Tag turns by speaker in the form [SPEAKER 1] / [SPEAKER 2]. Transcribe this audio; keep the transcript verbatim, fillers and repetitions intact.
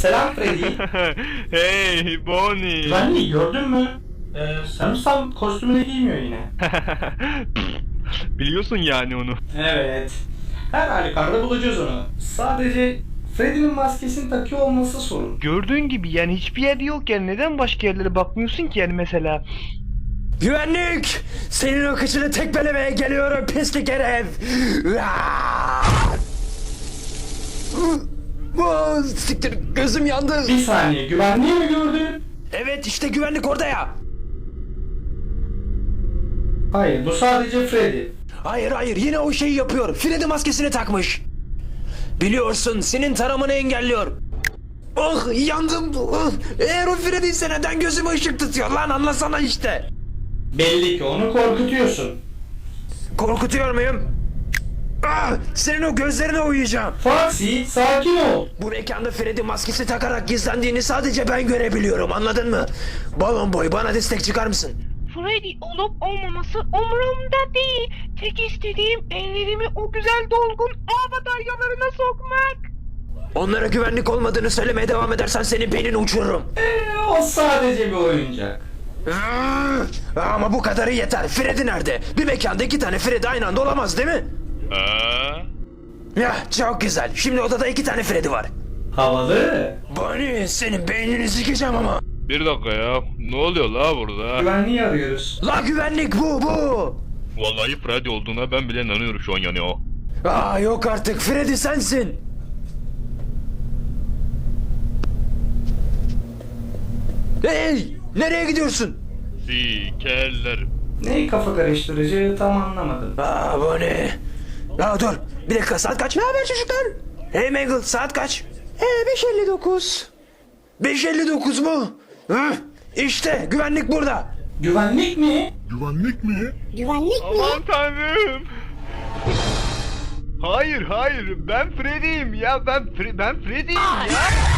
[SPEAKER 1] Selam Freddy.
[SPEAKER 2] Hey Bonnie.
[SPEAKER 1] Güvenliği gördün mü? Ee, sanırsam kostümünü giymiyor yine.
[SPEAKER 2] Biliyorsun yani onu.
[SPEAKER 1] Evet. Her halükarda bulacağız onu. Sadece Freddy'nin maskesini takıyor olması sorun.
[SPEAKER 2] Gördüğün gibi yani hiçbir yerde yok yani neden başka yerlere bakmıyorsun ki yani mesela?
[SPEAKER 3] Güvenlik! Senin o kıçını tekmelemeye geliyorum pislik herif! Aa, siktir gözüm yandı.
[SPEAKER 1] Bir saniye, güvenliği mi gördün?
[SPEAKER 3] Evet işte güvenlik orada ya.
[SPEAKER 1] Hayır, bu sadece Freddy.
[SPEAKER 3] Hayır hayır yine o şeyi yapıyor. Freddy maskesini takmış. Biliyorsun senin taramanı engelliyor. Oh yandım. Oh, eğer o Freddy ise neden gözüme ışık tutuyor lan anlasana işte.
[SPEAKER 1] Belli ki onu korkutuyorsun.
[SPEAKER 3] Korkutuyor muyum? Ah, senin o gözlerine uyuyacağım.
[SPEAKER 1] Foxy, sakin ol.
[SPEAKER 3] Bu mekanda Freddy maskesi takarak gizlendiğini sadece ben görebiliyorum anladın mı? Balon boy bana destek çıkar mısın?
[SPEAKER 4] Freddy olup olmaması umurumda değil. Tek istediğim ellerimi o güzel dolgun ağ bataryalarına sokmak.
[SPEAKER 3] Onlara güvenlik olmadığını söylemeye devam edersen senin beynini uçururum.
[SPEAKER 1] Ee, o sadece bir oyuncak.
[SPEAKER 3] Ah, ama bu kadarı yeter. Freddy nerede? Bir mekanda iki tane Freddy aynı anda olamaz değil mi?
[SPEAKER 2] Aa?
[SPEAKER 3] Ya çok güzel. Şimdi odada iki tane Freddy var.
[SPEAKER 1] Havalı.
[SPEAKER 3] Bonnie senin beynini sikeceğim ama.
[SPEAKER 2] Bir dakika ya. Ne oluyor la burada?
[SPEAKER 1] Güvenliği arıyoruz.
[SPEAKER 3] La güvenlik bu bu.
[SPEAKER 2] Vallahi Freddy olduğuna ben bile inanıyorum şu an yani o.
[SPEAKER 3] Aa yok artık Freddy sensin. Hey nereye gidiyorsun?
[SPEAKER 2] Sikerlerim.
[SPEAKER 1] Neyi kafa karıştırıcı tam anlamadım.
[SPEAKER 3] Aa bu ne? Aa dur bir dakika saat kaç? Ne haber çocuklar? Hey Mangle saat kaç? Ee beş elli dokuz. beş elli dokuz mu? Hı? İşte güvenlik burada.
[SPEAKER 1] Güvenlik mi?
[SPEAKER 5] Güvenlik mi?
[SPEAKER 2] Aman tanrım. Hayır hayır ben Freddy'yim ya ben Fre ben Freddy'yim ya.